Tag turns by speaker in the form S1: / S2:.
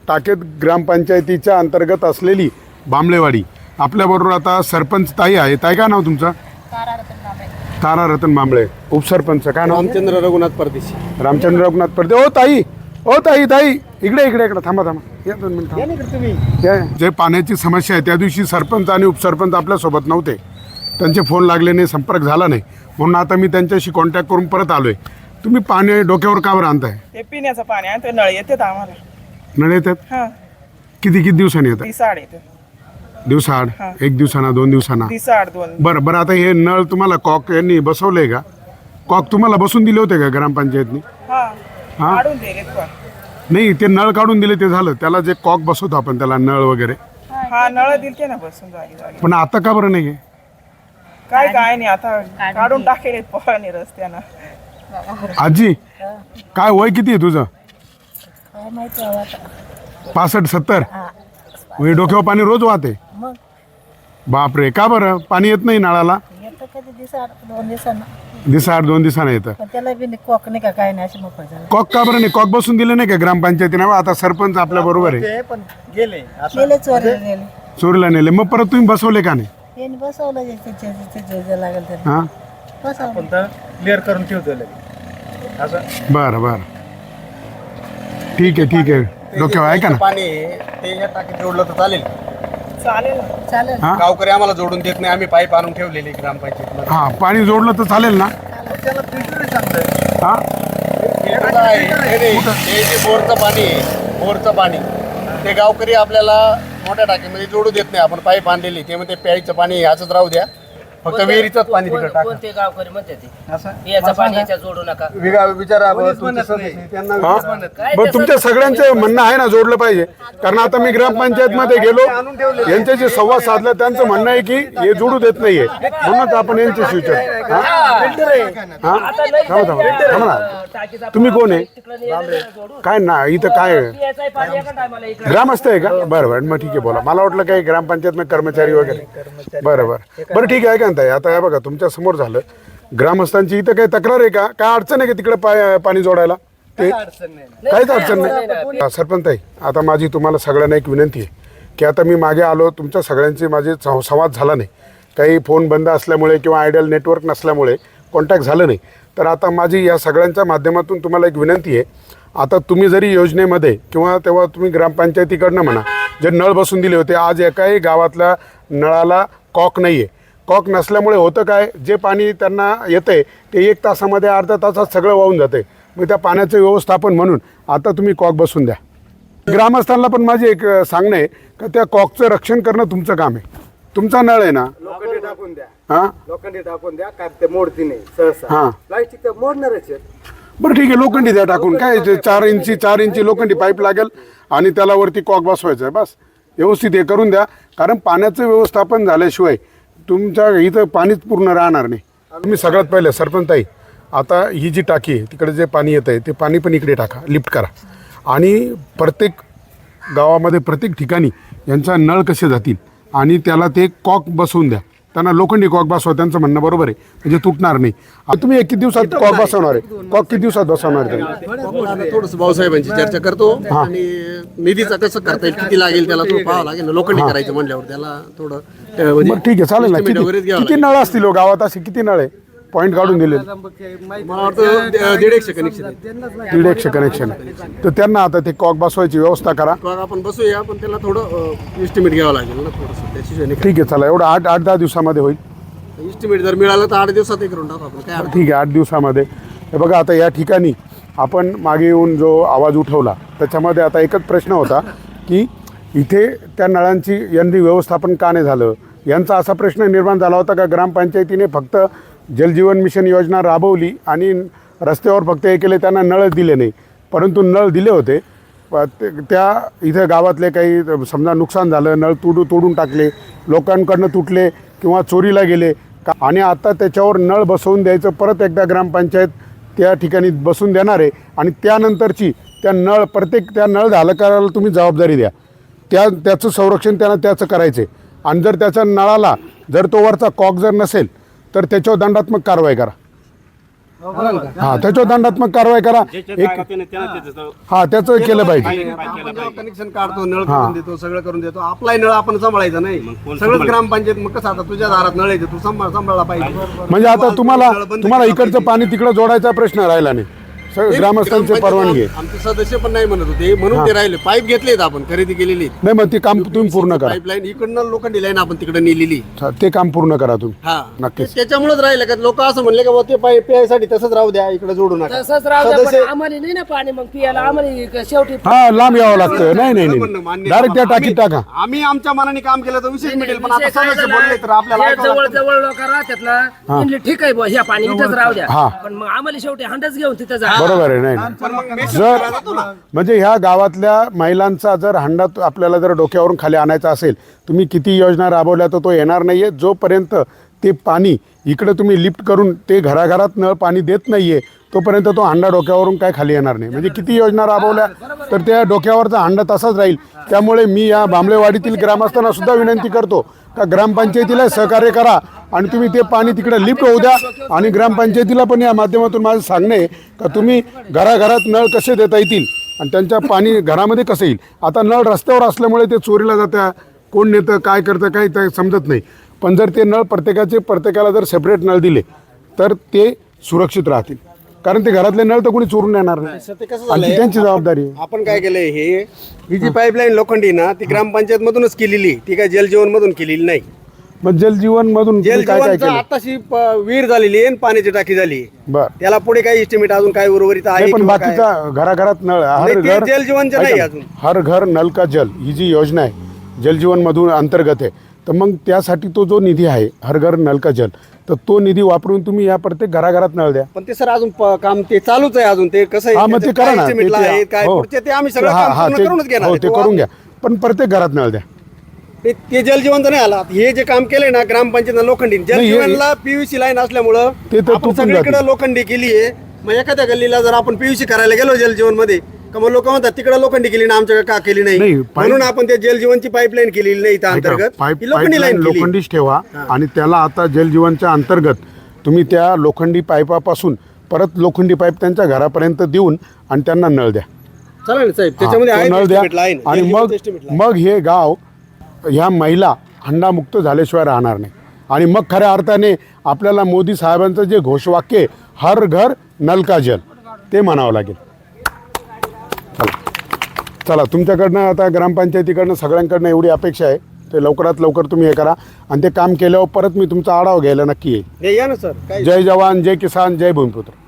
S1: टाकेत ग्रामपंचायतीच्या अंतर्गत असलेली बांबळेवाडी. आपल्याबरोबर आता सरपंच ताई आहे. ताई काय नाव तुमचं? तारा रतन बांबळे. उपसरपंच काय नाव?
S2: रामचंद्र रघुनाथ परदेशी.
S1: रामचंद्र रघुनाथ परदे. ओ ताई, ओ ताई, ताई इकडे इकडे इकडे थांबा थांबा, या 2 मिनिटं. जे पाण्याची समस्या आहे त्या दिवशी सरपंच आणि उपसरपंच आपल्यासोबत नव्हते, त्यांचे फोन लागले नाही, संपर्क झाला नाही, म्हणून आता मी त्यांच्याशी कॉन्टॅक्ट करून परत आलोय. तुम्ही पाणी डोक्यावर का बरं आणताय?
S3: ते पिण्याचं पाणी आहे, ते नळ येतात आम्हाला.
S1: नळ येतात?
S3: हा,
S1: किती दिवसांनी येतात?
S3: दिसाड येते.
S1: दिवसाआड? 1 दिवसाना 2 दिवसांना?
S3: दिसाड 2.
S1: बरं बरं. आता हे नळ तुम्हाला कॉक यांनी बसवलंय का? कॉक तुम्हाला बसून दिले होते का ग्रामपंचायतनी?
S3: हा,
S1: हा?
S3: काढून दिलेत पण.
S1: नाही, ते नळ काढून दिले ते झालं, त्याला जे कॉक बसवतो आपण त्याला नळ वगैरे,
S3: हा, नळ दिलते ना बसून जागी जागी.
S1: पण आता का बरं नाही?
S3: काय नाही, आता काढून टाकेल पाणी रस्त्यानं.
S1: आजी काय वय किती आहे तुझं? 65-70? हे डोक्यावर पाणी रोज वाहते? बापरे, का बरं पाणी येत नाही नळाला? दिवसाआड 2 दिवसांना येतं.
S4: कॉक नाही का काय नाही अशी मोकळ झालं.
S1: कॉक का बरं नाही? कॉक बसून दिले नाही का ग्रामपंचायतीने? आता सरपंच आपल्या बरोबर आहे.
S2: पण गेले
S4: गेले चोरीला गेले.
S1: चोरीला नेले, मग परत तुम्ही बसवले का नाही?
S4: यांनी बसवलं जे लागेल ते
S1: हा,
S4: बसवलं.
S2: पण तर क्लिअर करून ठेवतो असं.
S1: बरं बरं, ठीक आहे ठीक आहे. डोक्यावर आहे का ना?
S2: पाणी ते या टाकीत जोडलं तर चालेल.
S3: चालेल ना.
S4: चालेल.
S1: हा
S2: गावकरी आम्हाला जोडून देत नाही, आम्ही पाईप आणून ठेवलेले ग्रामपंचायत.
S1: हा, पाणी जोडलं तर चालेल ना?
S2: त्याला फिल्टर सांगतोय.
S1: हा,
S2: हे जे बोरचं पाणी आहे, बोरचं पाणी ते गावकरी आपल्याला मोठ्या टाकीमध्ये जोडू देत नाही. आपण पाईप आणलेली ते म्हणते प्यायचं पाणी याचंच राहू द्या, फक्त विहिरीचंच पाणी तिकडे टाका.
S5: कोणते गावकरी म्हणते ते
S2: असं
S5: याचं पाणी याच्या जोडू नका.
S2: विचारा
S1: हा? बरं, तुमच्या सगळ्यांचं म्हणणं आहे ना जोडलं पाहिजे? कारण आता मी ग्रामपंचायत मध्ये गेलो, यांच्याशी संवाद साधला, त्यांचं म्हणणं आहे की हे जोडू देत नाहीये, म्हणूनच आपण यांच्याशी विचार. थांबा ना, तुम्ही कोण आहे? काय ना इथं काय ग्रामस्थ आहे का? बरं बरं, मग ठीक आहे, बोला. मला वाटलं काही ग्रामपंचायत मध्ये कर्मचारी वगैरे. बरं बरं बरं, ठीक आहे. काय म्हणताय आता? हे बघा तुमच्या समोर झालं. ग्रामस्थांची इथं काही तक्रार आहे का? काय अडचण आहे का तिकडे पाणी जोडायला? ते काहीच अडचण नाही. सरपंच आहे, आता माझी तुम्हाला सगळ्यांना एक विनंती आहे की आता मी मागे आलो, तुमच्या सगळ्यांची माझी संवाद झाला नाही, काही फोन बंद असल्यामुळे किंवा आयडियल नेटवर्क नसल्यामुळे कॉन्टॅक्ट झालं नाही. तर आता माझी या सगळ्यांच्या माध्यमातून तुम्हाला एक विनंती आहे, आता तुम्ही जरी योजनेमध्ये किंवा तेव्हा तुम्ही ग्रामपंचायतीकडनं म्हणा जे नळ बसून दिले होते, आज एकाही गावातल्या नळाला कॉक नाही आहे. कॉक नसल्यामुळे होतं काय, जे पाणी त्यांना येतंय ते 1 तासामध्ये अर्ध्या तासात सगळं वाहून जाते. मग त्या पाण्याचं व्यवस्थापन म्हणून आता तुम्ही कॉक बसून द्या. ग्रामस्थांना पण माझे एक सांगणं आहे का त्या कॉकचं रक्षण करणं तुमचं काम आहे. तुमचा नळ आहे ना?
S2: लोखंडी टाकून द्या,
S1: हां
S2: लोखंडी टाकून द्या, काय ते मोडती नाही सहसा.
S1: हां,
S2: प्लास्टिक तर मोडणारच आहे.
S1: बरं ठीक आहे, लोखंडी द्या टाकून. काय 4 इंची लोखंडी पाईप लागेल आणि त्याला वरती कॉक बसवायचं आहे, बस. व्यवस्थित हे करून द्या, कारण पाण्याचं व्यवस्थापन झाल्याशिवाय तुमच्या इथं पाणीच पूर्ण राहणार नाही. तुम्ही सगळ्यात पहिले सरपंच ताई, आता ही जी टाकी आहे तिकडे जे पाणी येतं आहे ते पाणी पण इकडे टाका, लिफ्ट करा, आणि प्रत्येक गावामध्ये प्रत्येक ठिकाणी यांचा नळ कसे जातील आणि त्याला ते कॉक बसवून द्या. त्यांना लोखंडी कॉक बसवा, त्यांचं म्हणणं बरोबर आहे, म्हणजे तुटणार नाही. आता तुम्ही किती दिवसात कॉक बसवणार आहे? कॉक किती दिवसात बसवणार आहे?
S2: थोडंसं भाऊसाहेबांची चर्चा करतो आणि निधीचं कसं करता येईल, किती लागेल त्याला थोडं पाहावं लागेल. लोखंडी करायचं म्हणल्यावर त्याला थोडं
S1: बरं ठीक आहे, चालेल ना. किती नळ असतील गावात? असे किती नळ आहे पॉईंट काढून दिले?
S2: मला वाटतं 150 कनेक्शन आहे.
S1: 150 कनेक्शन आहे. तर त्यांना आता ते कॉक बसवायची व्यवस्था करा.
S2: आपण बसूया, पण त्याला थोडं इस्टिमेट घ्यावं लागेल ना थोडंसं. त्याची
S1: ठीक आहे, चला, एवढं 8-10 दिवसामध्ये होईल.
S2: इस्टिमेट जर मिळालं तर 8 दिवसात करून टाकू आपण. काय
S1: ठीक आहे, 8 दिवसामध्ये. हे बघा, आता या ठिकाणी आपण मागे येऊन जो आवाज उठवला त्याच्यामध्ये आता एकच प्रश्न होता की इथे त्या नळांची यांनी व्यवस्थापन का नाही झालं. यांचा असा प्रश्न निर्माण झाला होता का ग्रामपंचायतीने फक्त जलजीवन मिशन योजना राबवली आणि रस्त्यावर फक्त हे केले, त्यांना नळच दिले नाही. परंतु नळ दिले होते, त्या इथे गावातले काही समजा नुकसान झालं, नळ तोडून टाकले, लोकांकडनं तुटले किंवा चोरीला गेले आणि आता त्याच्यावर नळ बसवून द्यायचं. परत एकदा ग्रामपंचायत त्या ठिकाणी बसून देणार आहे आणि त्यानंतरची त्या नळ झालं करायला तुम्ही जबाबदारी द्या. त्याचं संरक्षण त्यांना त्याचं करायचं आहे. आणि जर त्याच्या नळाला जर तो वरचा कॉक जर नसेल तर त्याच्यावर दंडात्मक कारवाई करा. हा त्याच्यावर दंडात्मक कारवाई करा हा त्याचं केलं पाहिजे.
S2: कनेक्शन काढतो, नळ करून देतो, सगळं करून देतो, आपलाही नळ आपण सांभाळायचा नाही. सगळंच ग्रामपंचायत मग कसं आता तुझ्या दारात नळ येते, तू सांभाळला पाहिजे.
S1: म्हणजे आता तुम्हाला इकडचं पाणी तिकडं जोडायचा प्रश्न राहिला नाही, सगळं ग्रामस्थांची परवानगी आहे.
S2: आमचे सदस्य पण नाही म्हणत होते म्हणून ते राहिले. पाईप घेतलेत आपण, खरेदी केलेली.
S1: नाही मग ते काम तुम्ही पूर्ण करा,
S2: पाईपलाईन इकडनं लोखंडी लाईन आपण तिकडे नेलेली.
S1: ते काम पूर्ण करा तुम्ही.
S2: हा
S1: नक्कीच.
S2: त्याच्यामुळेच राहिलं का लोक असं म्हणले का बुवा ते पाईप प्यायसाठी तसंच राहू द्या, इकडे जोडू नका.
S5: तसंच राहू द्या, पण आम्हाला नाही ना पाणी, मग पियाला आम्हाला शेवटी
S1: हा लांब यावं लागतं. नाही नाही नाही डायरेक्ट त्या टाकीत टाका.
S2: आम्ही आमच्या मनाने काम केलं तर विशेष मिळेल, पण आता सदस्य बोलले तर आपल्याला
S5: जे
S2: ऐकावं
S5: जवळ
S2: लागतं.
S5: जवळ लोक राहतात ना, म्हणले ठीक आहे बुवा, ह्या पाणी इथंच राहू द्या.
S1: हा.
S5: पण मग आम्हाला शेवटी हंडच घेऊन तिथं जा.
S1: बरोबर आहे. नाही नाही.
S2: पण मग
S1: जर म्हणजे ह्या गावातल्या महिलांचा जर हंडा आपल्याला जर डोक्यावरून खाली आणायचा असेल, तुम्ही किती योजना राबवल्या तर तो येणार नाहीये जोपर्यंत ते पाणी इकडे तुम्ही लिफ्ट करून ते घराघरात नळ पाणी देत नाहीये तोपर्यंत तो हंडा डोक्यावरून काय खाली येणार नाही. म्हणजे किती योजना राबवल्या तर त्या डोक्यावरचा हंडा तसाच राहील. त्यामुळे मी या बांबळेवाडीतील ग्रामस्थांना सुद्धा विनंती करतो का ग्रामपंचायतीला सहकार्य करा आणि तुम्ही ते पाणी तिकडे लिफ्ट होऊ द्या. आणि ग्रामपंचायतीला पण या माध्यमातून माझं सांगणं आहे का तुम्ही घराघरात नळ कसे देता येतील आणि त्यांच्या पाणी घरामध्ये कसं येईल. आता नळ रस्त्यावर असल्यामुळे ते चोरीला जातं, कोण नेतं काय करतं काही ते समजत नाही. पण जर ते नळ प्रत्येकाला जर सेपरेट नळ दिले तर ते सुरक्षित राहतील, कारण ते घरातले नळ तर कोणी चोरून येणार नाही
S2: ते कसं
S1: आणि ती
S2: झालंय,
S1: त्यांची जबाबदारी आहे.
S2: आपण काय केलंय, ही जी पाईपलाईन लोखंडी ना ती ग्रामपंचायत मधूनच केलेली, ती काय जलजीवन मधून केलेली नाही.
S1: मग जलजीवन मधून तुम्ही काय काय
S2: जलजीवनचं
S1: केलं.
S2: आताशी विहीर झालेली आहे आणि पाण्याची टाकी झाली.
S1: बर
S2: त्याला पुढे काही एस्टिमेट अजून काय उर्वरित आहे
S1: नाही, पण
S2: किंवा काय?
S1: बाकीचा घराघरात नळ हर
S2: नाही, ते
S1: घर
S2: जलजीवनचं नाही
S1: ऐका
S2: अजून.
S1: ना, हर घर नल का जल ही जी योजना आहे जलजीवन मधून अंतर्गत आहे. तर मग त्यासाठी तो जो निधी आहे हर घर नल का जल, तर तो निधी वापरून तुम्ही या प्रत्येक घराघरात नळ द्या.
S2: पण ते सर अजून काम ते चालूच आहे अजून. ते कसं
S1: हा मग ते करा ना.
S2: estimate ला आहे, काय
S1: हो.
S2: पुढचे ते आम्ही सगळं
S1: हा,
S2: काम
S1: हा,
S2: पूर्ण
S1: ते-
S2: करूनच घेणार
S1: हो,
S2: आहे.
S1: ते
S2: तो
S1: करून घ्या, पण प्रत्येक घरात नळ द्या.
S2: ते जलजीवनचं नाही आला. हे जे काम केलंय ना ग्रामपंचायत लोखंडी, जलजीवनला पीयूसी लाईन असल्यामुळं
S1: ते तर
S2: आपण
S1: तुटून
S2: सगळीकडे
S1: जाते.
S2: लोखंडी केली आहे. मग एखाद्या गल्लीला जर आपण पीयूसी करायला गेलो जलजीवन मध्ये का मग लोक म्हणतात तिकडे लोखंडी केली ना, आमच्याकडे का केली
S1: नाही,
S2: नाही.
S1: पाईप-
S2: म्हणून आपण त्या जलजीवनची पाईपलाईन केलेली नाही इथं अंतर्गत.
S1: पाईप
S2: ही लोखंडी लाईन केली.
S1: लोखंडीच ठेवा आणि त्याला आता जलजीवनच्या अंतर्गत तुम्ही त्या लोखंडी पाईपापासून परत लोखंडी पाईप त्यांच्या घरापर्यंत देऊन आणि त्यांना नळ द्या.
S2: चालेल साहेब, त्याच्यामध्ये
S1: हा,
S2: आहे
S1: तो नळ द्या
S2: estimate line.
S1: आणि
S2: जलजीवन
S1: मग
S2: estimate line.
S1: मग हे गाव ह्या महिला हंडामुक्त झाल्याशिवाय राहणार नाही. आणि मग खऱ्या अर्थाने आपल्याला मोदी साहेबांचं जे घोषवाक्य आहे, हर घर नल का जल, ते म्हणावं लागेल. चला तुमच्याकडनं आता ग्रामपंचायतीकडनं सगळ्यांकडनं एवढी अपेक्षा आहे ते लवकरात लवकर तुम्ही हे करा आणि ते काम केल्यावर परत मी तुमचा आढावा घ्यायला नक्की येईल.
S2: हे या ना सर काय
S1: जय जवान जय किसान जय भूमिपुत्र.